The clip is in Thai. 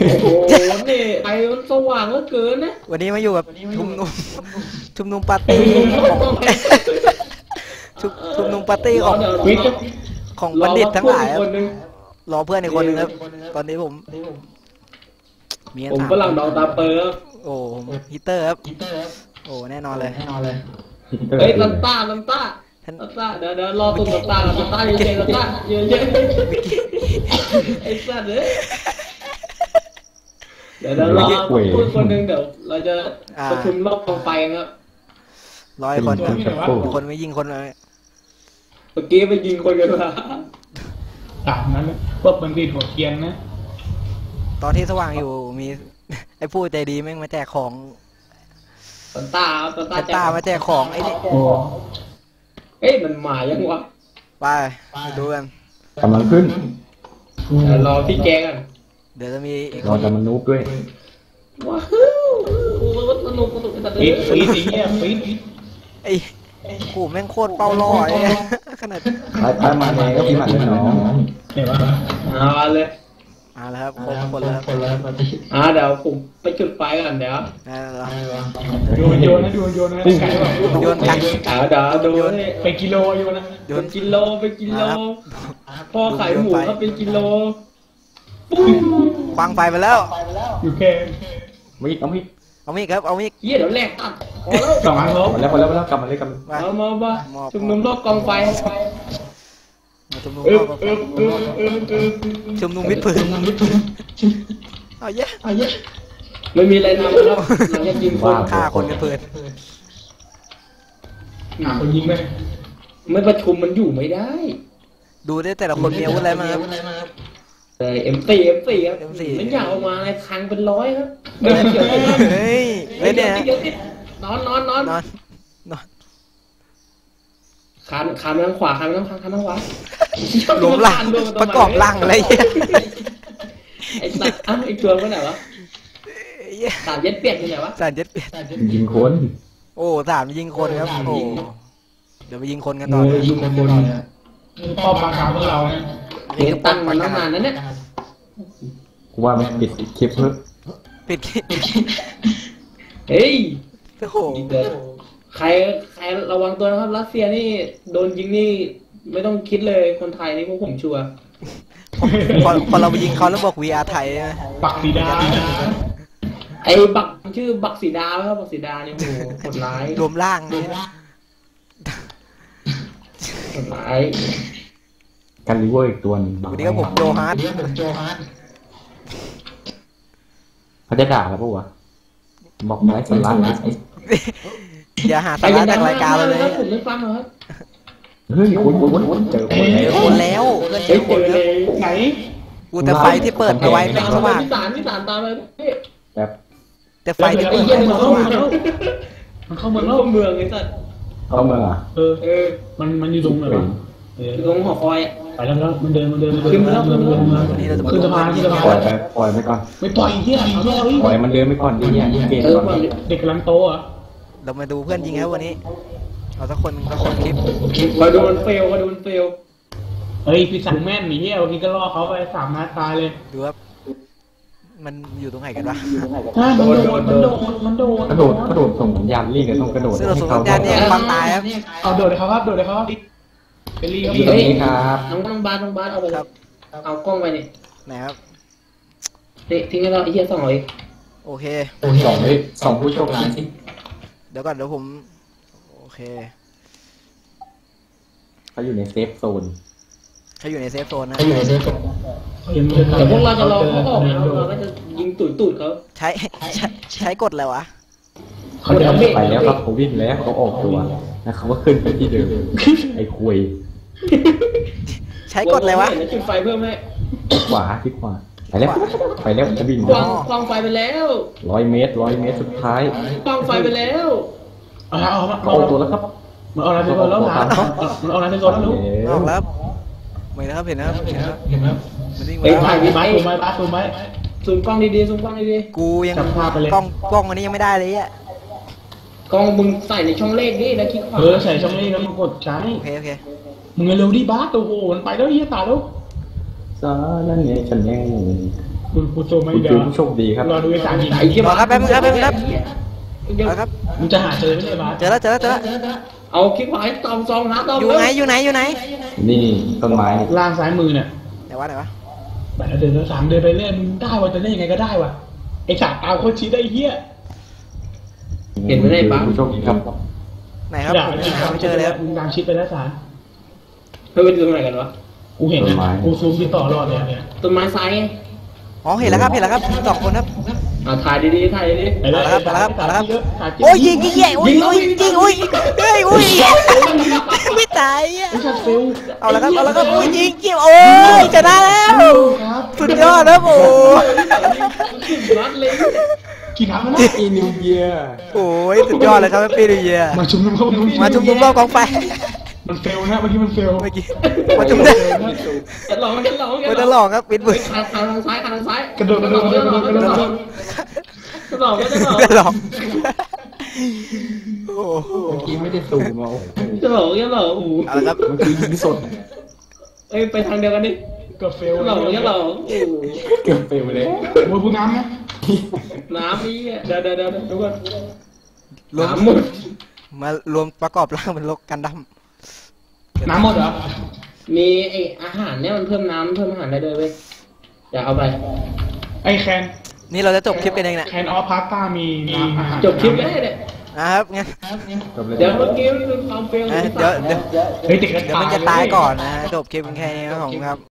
โอ้โหนี่ไอ้มันสว่างเหลือเกินนะวันนี้มาอยู่กับชุมนุมปาร์ตี้ของชุมนุมปาร์ตี้ของบัณฑิตทั้งหลายรอเพื่อนอีกคนนึงครับตอนนี้ผมฝรั่งดองตาเปอร์โอ้ฮิตเตอร์ครับโอ้แน่นอนเลยเฮ้ยลันต้าเดี๋ยวรอตัวลันต้าเยอะๆลันต้าเยอะๆไอ้สัตว์เลยเดี๋ยวรอพูดคนหนึ่งเดี๋ยวเราจะประชุมรอบกองไฟครับ 100 คนไม่ยิงคนเลยเมื่อกี้ไปยิงคนกันมาตามนั้นพวกบัณฑิตหัวเกียนนะตอนที่สว่างอยู่มีไอ้ผู้ใจดีแม่งมาแจกของตันต้ามาแจกของไอ้นี่เอ้ยมันมายังวะไปดูกันกำลังขึ้นรอพี่แกกันเดี๋ยวจะมีรอจะมันนุ๊กด้วยว้าวสนุกฟีดไอ้กูแม่งโคตรเป้าล่อไอ้ขนาดถ้ามาแดงก็พี่หมัดเลยน้องเห็นปะเลยแล้วครับคนแล้วเดี๋ยวผมไปจุดไฟกันเดี๋ยวโยนนะไก่โยนกันเดี๋ยวโยนไปกิโลโยนนะเป็นกิโลพ่อขายหมูเขาเป็นกิโลคว้างไฟไปแล้วอยู่แค่เอามีครับเอามีเยี่ยเดี๋ยวแรกตัดสองอันลบแล้วกลับมาเลยมาชุมนุมรอบกองไฟชุมนุมวิทย์ปืนเอาเยอะไม่มีอะไรทำแล้วหลังจากยิงฆ่าคนกันเพลินคนยิงไหมไม่ประชุมมันอยู่ไม่ได้ดูได้แต่ละคนมีอาวุธอะไรมาครับ M4 ครับมันอยากออกมาในคลังเป็นร้อยครับเฮ้ยเนี่ยนอนคานไปทางขวาคานไปทางขวาหลงล่างประกอบล่างอะไรไอ้สัตว์ไอ้ตัวมันไหนวะสารเย็ดเปียกยังไงวะสารเย็ดเปียกยิงคนโอ้สารยิงคนครับโอ้เดี๋ยวไปยิงคนกันต่อยิงคนพ่อปลาขาวพวกเราเนี่ยตั้งมันนานนั้นเนี่ยกูว่ามันปิดคลิปเพิ่มปิดคลิปเฮ้ยโอ้โหใครระวังตัวนะครับรัสเซียนี่โดนยิงนี่ไม่ต้องคิดเลยคนไทยนี่พวกผมชัวร์พอเราไปยิงเขาแล้วบอก VR ไทยบักสีดาไอ้บักชื่อบักสีดาครับบักสีดาเนี่ยโหคนร้ายรวมร่างเลยคนร้ายกันลิเวอร์อีกตัวนึงวันนี้ก็ผมโจฮาร์ดเขาจะด่าแล้วปะวะบอกไร้สาระอย่าหาสาระจากรายการเลยผมไม่ฟังครับเฮ้ยคุณเจอคนแล้วเจอคนแล้วไหนกูแต่ไฟที่เปิดเอาไว้แม่งสว่างสารตามไปแต่ไฟที่เปิดไว้สว่างมันเข้าเมืองไอ้สัสเข้าเมืองอ่ะมันอยู่ตรงไหนวะตรงหอคอยไปแล้วมันเดินขึ้นมาแล้วขึ้นสะพานปล่อยไปก่อนไม่ปล่อยเหี้ยปล่อยมันเดินไปก่อนดิเนี่ยเกมก่อนเด็กกำลังโตอ่ะเรามาดูเพื่อนยิงครับวันนี้เอาสักคนคลิปมาดูมันเฟลเฮ้ยพี่สั่งแม่นหนีเหี้ยวันนี้ก็ล่อเขาไป3 นัดตายเลยดูครับมันอยู่ตรงไหนกันวะมันโดดส่งสัญญาณลี่กันต้องกระโดดส่งสัญญาณเนี่ยความตายครับเอาโดดเลยครับเป็นลี่ครับน้องบาสเอาไปครับเอากล้องไปนี่ไหนครับทิ้งให้เราไอ้เหี้ย200 โอเค 2ผู้โชคดีสิเดี๋ยวก่อนเดี๋ยวผมโอเคเขาอยู่ในเซฟโซนนะแต่พวกเราจะรอเขาออกแล้วเราก็จะยิงตูดเขาใช้กดอะไรวะเขาเดินไปแล้วครับเขาวิ่งแล้วเขาออกตัวนะเขาก็ขึ้นไปที่เดิมไอ้คุยใช้กดอะไรวะจุดไฟเพิ่มไหมขวาไปแล้วจะบินวางไฟไปแล้ว 100 เมตรสุดท้ายวางไฟไปแล้วเอาตัวแล้วครับมันเอาอะไรไปก่อนแล้วหามันเอาอะไรไปก่อนแล้วลูกออกแล้วไม่นะครับเห็นนะครับมันวิ่งไปซูมกล้องดีกูยังกล้องอันนี้ยังไม่ได้เลยอ่ะกล้องมึงใส่ในช่องเลขดิแล้วคลิกขวาใส่ช่องเลขแล้วมึงกดใช้โอเคมึงเร็วดิบาสโอ้โหมันไปแล้วเหี้ยตายแล้วซานั่นไงฉันแน่กูโซไม่คุณเดี๋ฟิยว วผู้โชคดีครับรอดูไอ้สารยิงไอ้เหี้ยรอครับแป๊บนึงครับแป๊บนึงครับเดี๋ยวเอาครับมึงจะหาเจอไม่ใช่ปะเจอแล้วเจอแล้วเจอแล้วเอาคลิกขวาตอมซองหาตอมอยู่ไหนอยู่ไหนอยู่ไหนนี่ต้นไม้นี่ล่างซ้ายมือเนี่ยไหนวะไหนวะไปเดินสามเดินไปเรื่อยมึงได้วะจะเล่นยังไงก็ได้วะไอ้สารตามโคตรชี้ได้เฮียเห็นไม่ได้ปะผู้โชคดีครับไหนครับผมหาไม่เจอเลยครับมึงตามชิดไปแล้วสารเฮ้ยไปดูตรงไหนกันวะกูเห็นนะกูซูมที่ต่อรอดเลยเนี่ยต้นไม้ซ้ายไงอ๋อเห็นแล้วครับเห็นแล้วครับสองคนครับถ่ายดีๆถ่ายดีไปแล้วโอ้ยยิงยิงโอ้ยโอ้ยยิงโอ้ยเฮ้ยโอ้ยไม่ตายอ่ะไอ้ชัดฟิลเอาละครับโอ้ยยิงยิงโอ้ยชนะแล้วครับสุดยอดครับโอ้ๆรัดเลยกี่ครั้งแล้วนะอีนิวเยียโอ้ยสุดยอดเลยครับปีนี้เยียมาชุมนุมเข้ามาชุมนุมรอบกองไฟมันเฟลนะเมื่อกี้มันเฟลเมื่อกี้มาชุมนุมจะหลอกมันจะหลอกไม่ต้องหลอกครับปิดมือทางซ้ายทางซ้ายกระโดดกระโดดกระโดดกระโดดกระโดดจะหลอกจะหลอกไม่หลอกโอ้โหเมื่อกี้ไม่ได้สูงมาโอ้โหจะหลอกจะหลอกโอ้โหเอาละครับเมื่อกี้ยิงสดเอ้ยไปทางเดียวกันดิก็เฟลจะหลอกจะหลอกโอ้โหเกือบไปเลยโอ้ยพูน้ำนะน้ำนี่เดี๋ยวทุกคนรวมน้ำหมดมารวมประกอบร่างเป็นโลกกันดั้มน้ำหมดเหรอมีไออาหารเนี่ยมันเพิ่มน้ำเพิ่มอาหารได้ด้วยเว้ยอย่าเอาไปไอ้แคนนี่เราจะจบคลิปกันเองเนี่ยแคนออฟพาสต้ามีน้ำอาหารจบคลิปไม่ได้เลยนะครับงั้นจบเลยเดี๋ยวเมื่อกี้มันเป็นความเฟลเดี๋ยวเฮ้ยเด็กกระเดี๋ยวมันจะตายก่อนนะฮะจบคลิปกันแค่นี้ครับผมครับ